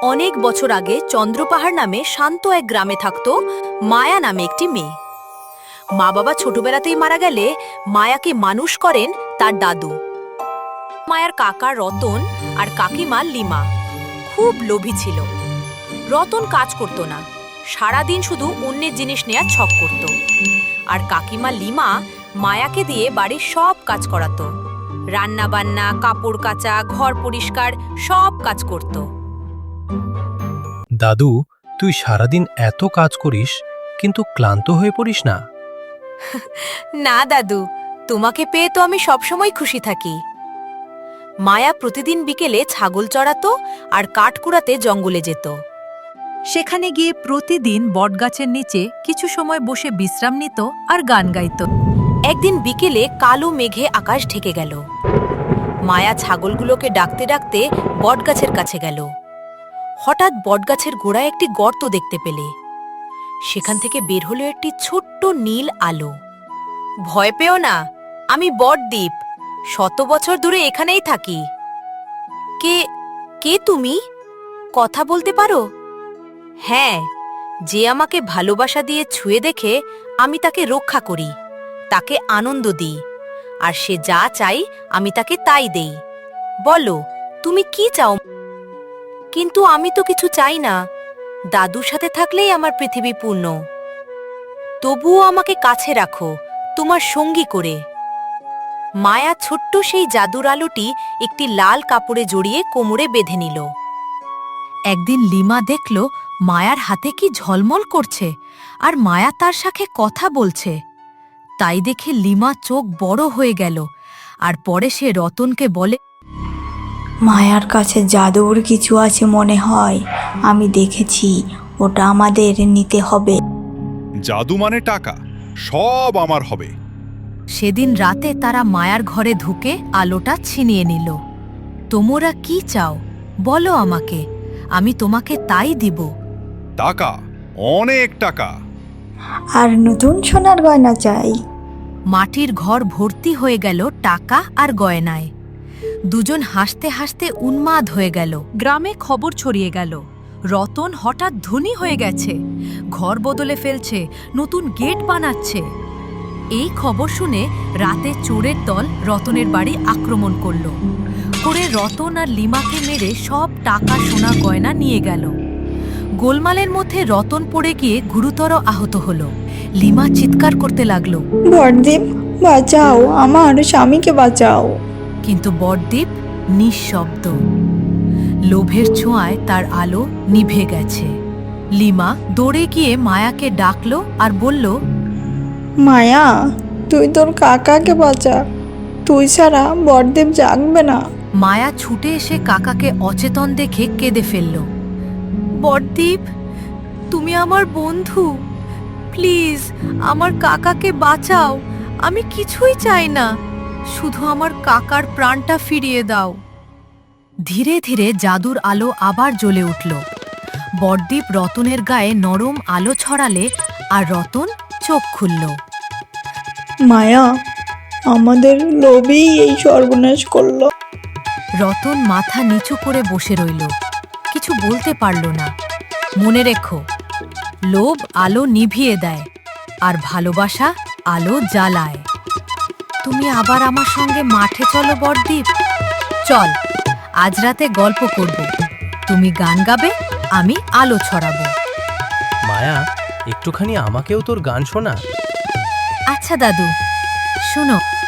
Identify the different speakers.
Speaker 1: অনেক বছর আগে চন্দ্রপাহাড় নামে শান্ত এক গ্রামে থাকত মায়া নামে একটি মেয়ে। মা বাবা ছোটবেলাতেই মারা গেলে মায়াকে মানুষ করেন তার দাদু। মায়ার কাকা রতন আর কাকিমা লিমা খুব লোভী ছিল। রতন কাজ করত না, সারাদিন শুধু অন্যের জিনিস নেয়ার ছক করত। আর কাকিমা লিমা মায়াকে দিয়ে বাড়ির সব কাজ করাতো, রান্না বান্না, কাপড় কাচা, ঘর পরিষ্কার সব কাজ করত।
Speaker 2: দাদু, তুই সারাদিন এত কাজ করিস কিন্তু ক্লান্ত হয়ে পড়িস না?
Speaker 1: না দাদু, তোমাকে পেয়ে তো আমি সবসময় খুশি থাকি। মায়া প্রতিদিন বিকেলে ছাগল চড়াতো আর কাঠ কুড়াতে জঙ্গলে যেত।
Speaker 3: সেখানে গিয়ে প্রতিদিন বটগাছের নিচে কিছু সময় বসে বিশ্রাম নিত আর গান গাইত।
Speaker 1: একদিন বিকেলে কালো মেঘে আকাশ ঢেকে গেল। মায়া ছাগলগুলোকে ডাকতে ডাকতে বটগাছের কাছে গেল। হঠাৎ বটগাছের গোড়ায় একটি গর্ত দেখতে পেলে। সেখান থেকে বের হলো একটি ছোট্ট নীল আলো। ভয় পেও না, আমি বটদ্বীপ, 100 বছর ধরে এখানেই থাকি। কে কে তুমি? কথা বলতে পারো? হ্যাঁ, যে আমাকে ভালোবাসা দিয়ে ছুঁয়ে দেখে আমি তাকে রক্ষা করি, তাকে আনন্দ দিই, আর সে যা চাই আমি তাকে তাই দেই। বলো, তুমি কি চাও? কিন্তু আমি তো কিছু চাই না, দাদুর সাথে থাকলেই আমার পৃথিবী পূর্ণ। তবুও আমাকে কাছে রাখো, তোমার সঙ্গী করে। মায়া ছোট্ট সেই জাদুর আলোটি একটি লাল কাপড়ে জড়িয়ে কোমরে বেঁধে নিল।
Speaker 3: একদিন লিমা দেখল মায়ার হাতে কি ঝলমল করছে, আর মায়া তার সাথে কথা বলছে। তাই দেখে লিমা চোখ বড় হয়ে গেল, আর পরে সে রতনকে বলে,
Speaker 4: মায়ার কাছে জাদুর কিছু আছে মনে হয়, আমি দেখেছি, ওটা আমাদের নিতে হবে।
Speaker 5: জাদু মানে টাকা, সব আমার হবে।
Speaker 3: সেদিন রাতে তারা মায়ার ঘরে ঢুকে আলোটা ছিনিয়ে নিল। তোমরা কি চাও বলো আমাকে, আমি তোমাকে তাই দিব।
Speaker 5: টাকা, অনেক টাকা।
Speaker 4: আর নতুন সোনার গয়না চাই।
Speaker 3: মাটির ঘর ভর্তি হয়ে গেল টাকা আর গয়নায়। দুজন হাসতে হাসতে উন্মাদ হয়ে গেল। গ্রামে খবর ছড়িয়ে গেল, রতন হঠাৎ ধনী হয়ে গেছে, ঘর বদলে ফেলছে, নতুন গেট বানাচ্ছে। এই খবর শুনে রাতে চোরের দল রতনের বাড়ি আক্রমণ করল। করে রতন আর লিমাকে মেরে সব টাকা সোনা গয়না নিয়ে গেল। গোলমালের মধ্যে রতন পড়ে গিয়ে গুরুতর আহত হল। লিমা চিৎকার করতে লাগলো,
Speaker 4: বড়দীপ, বাঁচাও, আমার স্বামীকে বাঁচাও।
Speaker 3: কিন্তু বড়দ্বীপ নিঃশব্দ। লোভের ছোঁয়ায় তার আলো নিভে গেছে। লিমা দৌড়ে গিয়ে মায়াকে ডাকলো আর বলল,
Speaker 4: মায়া, তুই তোর কাকাকে বাঁচা, তুই ছাড়া বড়দেব জাগবে না।
Speaker 3: মায়া ছুটে এসে কাকাকে অচেতন দেখে কেঁদে ফেলল। বড়দ্বীপ, তুমি আমার বন্ধু, প্লিজ আমার কাকাকে বাঁচাও। আমি কিছুই চাই না, শুধু আমার কাকার প্রাণটা ফিরিয়ে দাও। ধীরে ধীরে জাদুর আলো আবার জ্বলে উঠল। বড়দ্বীপ রতনের গায়ে নরম আলো ছড়ালে আর রতন চোখ খুলল।
Speaker 4: মায়া, আমাদের লোভই এই সর্বনাশ করলো।
Speaker 3: রতন মাথা নিচু করে বসে রইল, কিছু বলতে পারল না। মনে রেখো, লোভ আলো নিভিয়ে দেয়, আর ভালোবাসা আলো জ্বালায়। তুমি আবার আমার সঙ্গে মাঠে চলো বড়দ্বীপ। চল, আজ রাতে গল্প করব, তুমি গান গাবে, আমি আলো ছড়াবো।
Speaker 2: মায়া, একটুখানি আমাকেও তোর গান শোনা।
Speaker 3: আচ্ছা দাদু, শোনো।